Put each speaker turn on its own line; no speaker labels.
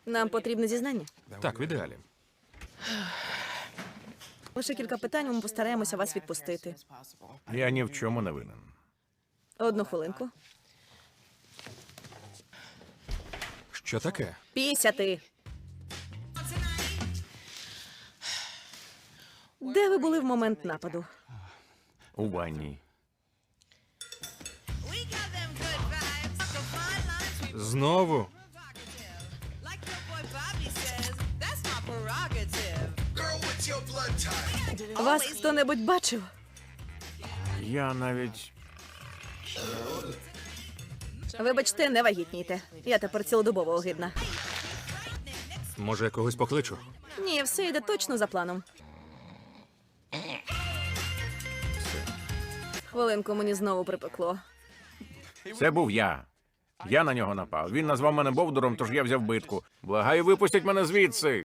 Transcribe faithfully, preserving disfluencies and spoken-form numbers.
Нам потрібне зізнання.
Так, в ідеалі.
Лише кілька питань, ми постараємося вас відпустити.
Я ні в чому не винен.
Одну хвилинку.
Що таке?
Пісяти. Де ви були в момент нападу?
У ванні. Знову?
Вас хто-небудь бачив?
Я навіть...
Вибачте, не вагітнійте. Я тепер цілодобово огидна.
Може, я когось покличу?
Ні, все йде точно за планом. Хвилинку, мені знову припекло.
Це був я. Я на нього напав. Він назвав мене Бовдуром, тож я взяв битку. Благаю, випустіть мене звідси.